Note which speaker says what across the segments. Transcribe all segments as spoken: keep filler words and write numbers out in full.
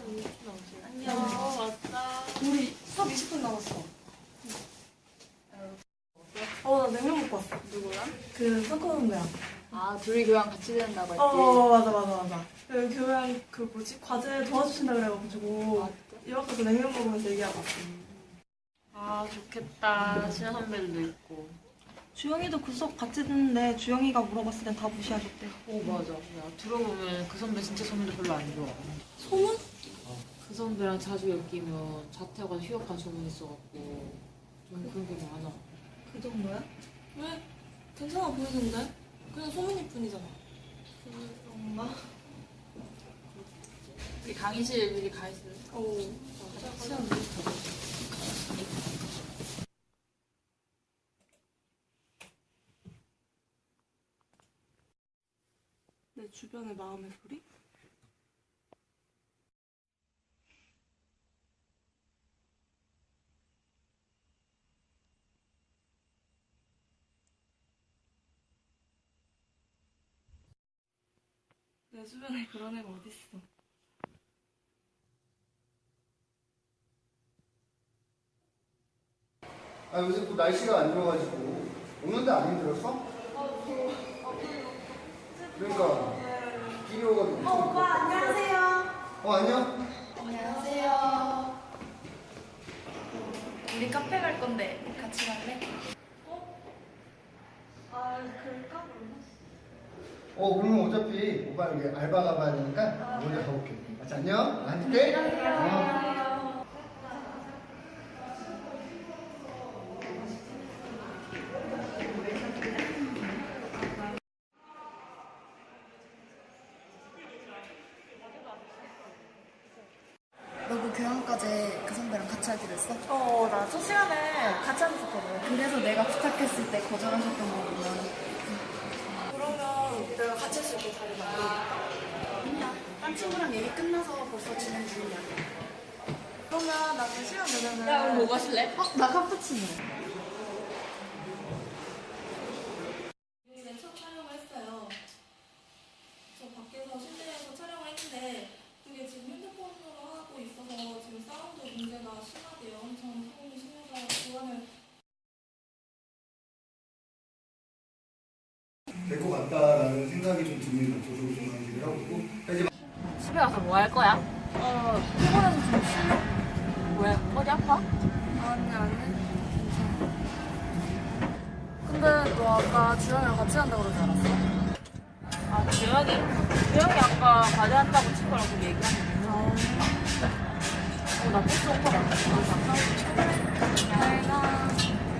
Speaker 1: 안녕. 어, 맞다. 우리 수업 이십 분 남았어. 어, 나 냉면 먹고 왔어.
Speaker 2: 누구랑?
Speaker 1: 그, 석호 선배랑.
Speaker 2: 아, 둘이 교양 같이 된다고 했지?
Speaker 1: 어, 맞아, 맞아, 맞아. 그 교양, 그 뭐지? 과제 도와주신다 그래가지고.
Speaker 2: 아,
Speaker 1: 이렇게 해서 냉면 먹으면서 얘기하고 왔어.
Speaker 3: 아 좋겠다. 신현 선배들도 있고.
Speaker 1: 주영이도 그 수업 같이 듣는데 주영이가 물어봤을 땐 다 무시하셨대.
Speaker 3: 오 맞아. 야 들어보면 그 선배 진짜 소문도 별로 안 좋아.
Speaker 1: 소문?
Speaker 3: 그 선배랑 자주 엮이면 자퇴하고 휴학한 소문 있어갖고 좀 그런 게 많아.
Speaker 1: 그 정도야? 왜? 괜찮아 보이던데? 그냥 소문일 뿐이잖아. 그런가?
Speaker 3: 우리 강의실 미리 가 있을래?
Speaker 1: 오.
Speaker 3: 시간 미리
Speaker 1: 내 주변의 마음의 소리? 내 주변에 그런 애가 어딨어.
Speaker 4: 아 요새 또 날씨가 안 좋아가지고 오는데 안 힘들었어? 그러니까 비오가지고
Speaker 1: 어, 오빠 안녕하세요.
Speaker 4: 어 안녕?
Speaker 5: 안녕하세요. 우리 카페 갈 건데 같이 갈래?
Speaker 1: 아, 그럴까?
Speaker 4: 어 그러면 어차피 오빠 여기 알바 가봐야 되니까 먼저 가볼게. 맞지 안녕? 앉을게. 어.
Speaker 5: 너 그 교양과제 그 선배랑 같이 하기로 했어?
Speaker 1: 어, 나 첫 시간에 같이 앉았었거든.
Speaker 5: 그래서 내가 부탁했을 때 거절하셨던 거구나.
Speaker 1: 그러면 내가 같이 할 수 있게 자리 만들어볼까?
Speaker 5: 아니야. 딴 친구랑 얘기 끝나서 벌써 진행 중이야.
Speaker 1: 그러면 나중에 시간 되면은.
Speaker 3: 야 우리 뭐 마실래?
Speaker 5: 어? 나 카푸치노.
Speaker 6: 저희는 첫 촬영을 했어요. 저 밖에서 실내에서 촬영을 했는데 그게 지금 핸드폰으로 하고 있어서 지금 사운드 문제가 심하대요. 엄청 소음이 심해서 보안을
Speaker 4: 될 것 같다라는 생각이 좀 드는 쪽으로 좀 강의를 하고 있고 이제
Speaker 3: 집에 가서 뭐 할 거야?
Speaker 1: 어, 피곤해서 좀 쉬려?
Speaker 3: 왜? 어디 아파?
Speaker 1: 아니, 아니. 근데 너 아까 주영이랑 같이 한다고 그러지 않았어?
Speaker 3: 아 주영이? 주영이 아까 과제한다고 친구랑 그 얘기하는데 어나 버스 온거 같아.
Speaker 1: 내가.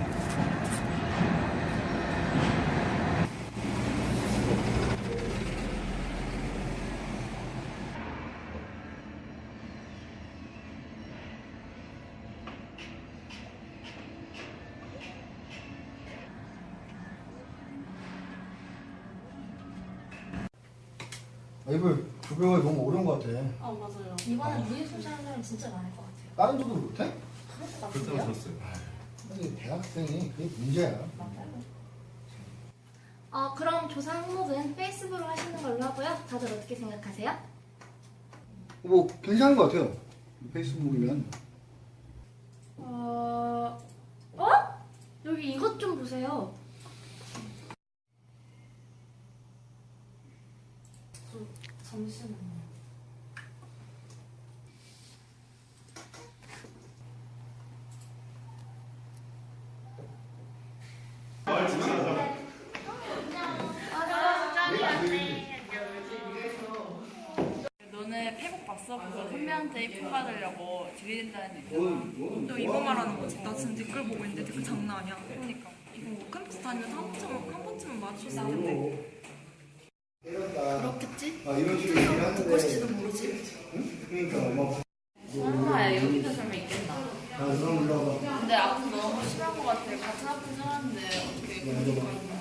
Speaker 4: 아, 이불 조별이 너무 어려운 것 같아.
Speaker 1: 아, 맞아요.
Speaker 5: 이번엔 무예술 하는 사람 진짜 많을 것 같아요.
Speaker 4: 다른 조도 못해?
Speaker 5: 그래서 나쁜데요?
Speaker 4: 근데 대학생이 그게 문제야.
Speaker 5: 어, 그럼 조사 항목은 페이스북으로 하시는 걸로 하고요. 다들 어떻게 생각하세요?
Speaker 4: 뭐 괜찮은 것 같아요. 페이스북이면.
Speaker 5: 어... 어? 여기 이것 좀 보세요.
Speaker 1: 잠시만요.
Speaker 7: 너네 페북 봤어? 그거 선배한테 이쁨 받으려고 들이댄다는 얘기잖아. 또 이거 말하는 거지. 나 지금 댓글 보고 있는데 댓글 장난 아니야. 그러니까 이거 뭐 캠퍼스 다니면서 한 번쯤은, 한 번쯤은 마주쳤을 텐데.
Speaker 5: 그렇겠지?
Speaker 4: 아 이런 식으로 얘기를 하는데.
Speaker 5: 듣고 싶지도 모르지.
Speaker 4: 응? 그러니까 막.
Speaker 3: 설마 여기도 설마 있겠나?
Speaker 4: 아 그럼 올라가.
Speaker 3: 근데 아픈 너무 심한 것 같아. 같은 아픈 사람인데 어떻게 그런 거 있나?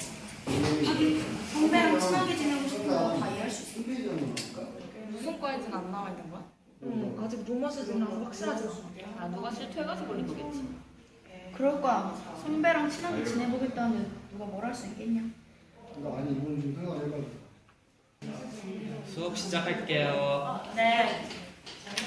Speaker 5: 선배랑 친하게 지내고 싶은 거 다 이해할 수 있어.
Speaker 3: 무슨 과인지는 안 나와 있는 거야?
Speaker 1: 응, 아직 노마 시즌이라서 확실하지 않아.
Speaker 3: 아 누가 실토해가지고 걸린 거겠지.
Speaker 5: 그럴 거야. 선배랑 친하게 지내보겠다는데 누가 뭘 할 수 있겠냐?
Speaker 4: 그러니까 아니 이건 좀 생각을 해봐.
Speaker 8: 수업 시작할게요.
Speaker 3: 네.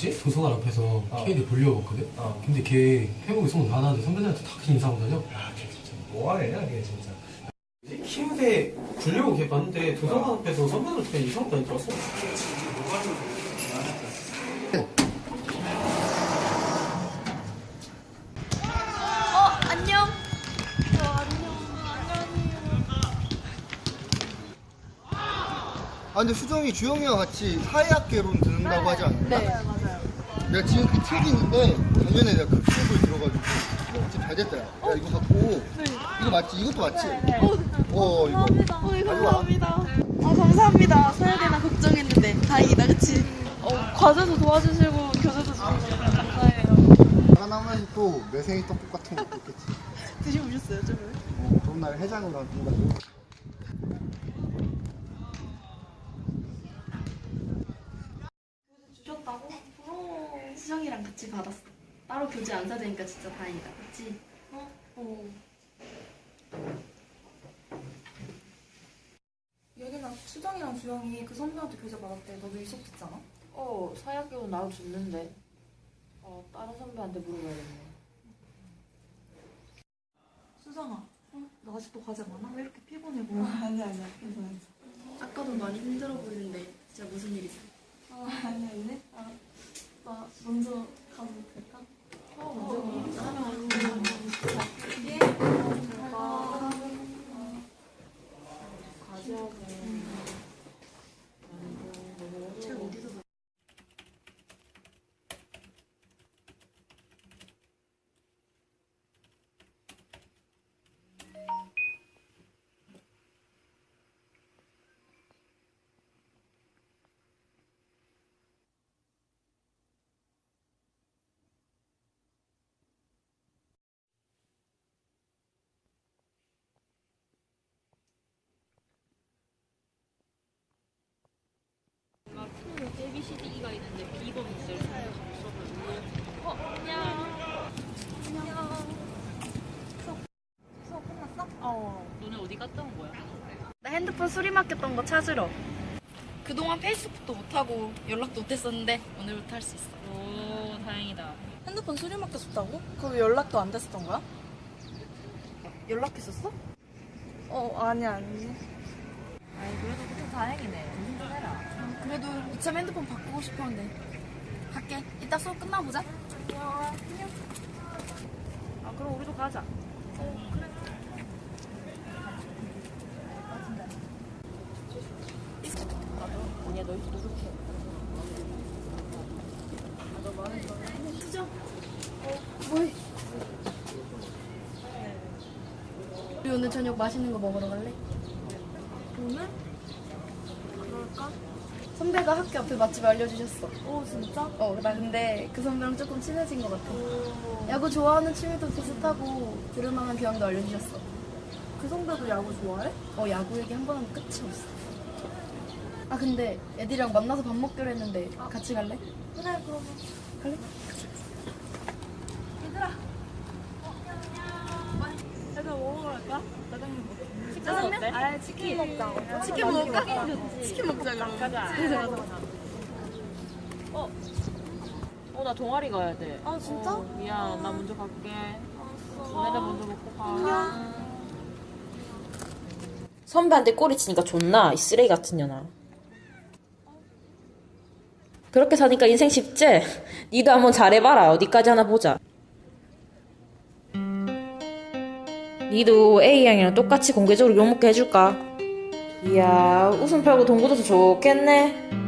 Speaker 8: 뭐지? 도서관 앞에서
Speaker 9: 어.
Speaker 8: 케이디 보려고 왔거든?
Speaker 9: 어.
Speaker 8: 근데 걔 회복이 소문 안 하는데 선배들한테 다 그렇게 인사하고 다녀?
Speaker 9: 야, 걔 진짜 뭐하냐, 걔 진짜.
Speaker 8: 키우대 보려고 걔 봤는데 도서관 앞에서 선배들한테 이상하게 다니고 왔어.
Speaker 5: 어, 안녕.
Speaker 4: 아 근데 수정이 주영이와 같이 사회학개론 듣는다고 하지 않았나?
Speaker 5: 네, 맞아요.
Speaker 4: 내가 지금 그 책이 있는데 작년에 내가 급수업을 들어가지고 진짜 잘 됐다. 야, 야 이거 갖고 이거 맞지? 이것도 맞지? 어 이거
Speaker 5: 어이,
Speaker 4: 가져와.
Speaker 5: 감사합니다. 아, 감사합니다. 서야되나 걱정했는데 다행이다, 그치? 어, 과제도 도와주시고 교재도 주시고 감사해요.
Speaker 4: 하나만 또 매생이 떡국 같은 것도 있겠지.
Speaker 5: 드셔보셨어요, 저번에?
Speaker 4: 어, 그런 날 해장으로 하는 거고.
Speaker 5: 주셨다고? 부러워. 수정이랑 같이 받았어. 따로 교재 안 사주니까 진짜 다행이다, 그치? 어? 어.
Speaker 1: 여기나 수정이랑 주영이 그 선배한테 교재 받았대. 너도 있었잖아.
Speaker 3: 어, 사약기운 나도 줬는데. 어, 다른 선배한테 물어봐야겠네.
Speaker 1: 수정아, 어? 너 아직도 과제 많아? 왜 이렇게 피곤해 보여? 아니야 아니야 괜찮아.
Speaker 5: 아까도 많이 힘들어 보이는데 진짜 무슨 일 있어?
Speaker 1: 아 아니야 아니네. 아, 나 먼저 가도 될까? 어 먼저 가. 예. 어,
Speaker 3: 과제하고.
Speaker 5: 책 어디서 봐?
Speaker 3: 에이비씨디이가 있는데 B번 있어요. 어, 안녕.
Speaker 1: 수업 끝났어?
Speaker 3: 어, 너네 어디 갔다 온 거야?
Speaker 5: 나 핸드폰 수리 맡겼던 거 찾으러. 그동안 페이스북도 못하고 연락도 못했었는데 오늘부터 할 수 있어.
Speaker 3: 오, 다행이다.
Speaker 1: 핸드폰 수리 맡겼었다고? 그럼 연락도 안 됐었던 거야? 연락했었어? 어 아니야 아니.
Speaker 3: 아이, 그래도 그때 다행이네. 조심 좀 해라.
Speaker 5: 그래도 이참 핸드폰 바꾸고 싶었는데 갈게. 이따 수업 끝나보자.
Speaker 3: 아, 그럼 우리도 가자.
Speaker 5: 뭐해? 우리 오늘 저녁 맛있는 거 먹으러 갈래?
Speaker 1: 오늘? 그럴까?
Speaker 5: 선배가 학교 앞에 맛집 알려주셨어.
Speaker 1: 오 진짜?
Speaker 5: 어, 나 근데 그 선배랑 조금 친해진 것 같아.
Speaker 1: 오.
Speaker 5: 야구 좋아하는 취미도 비슷하고 들을만한 교양도 알려주셨어.
Speaker 1: 그 선배도 야구 좋아해?
Speaker 5: 어, 야구 얘기 한 번 하면 끝이 없어. 아, 근데 애들이랑 만나서 밥 먹기로 했는데 같이 갈래?
Speaker 1: 그래 그러면.
Speaker 5: 갈래?
Speaker 1: 얘들아. 어, 안녕. 얘들아 뭐 먹으러 갈까? 짜장면 먹자.
Speaker 5: 짜장면?
Speaker 1: 아 치킨 먹자.
Speaker 5: 치킨 먹을까? 치킨 먹자, 그럼.
Speaker 3: 가자.
Speaker 5: 가자, 가자.
Speaker 3: 어, 어, 나 동아리 가야 돼.
Speaker 1: 아, 진짜?
Speaker 3: 어, 미안, 나 먼저 갈게.
Speaker 1: 알았어.
Speaker 3: 너네들 먼저 먹고 가.
Speaker 10: 선배한테 꼬리치니까 존나 이 쓰레기 같은 년아. 그렇게 사니까 인생 쉽지? 니도 한번 잘해봐라. 어디까지 하나 보자. 니도 A양이랑 똑같이 공개적으로 욕먹게 해줄까? 이야, 웃음 팔고 돈 굳어서 좋겠네.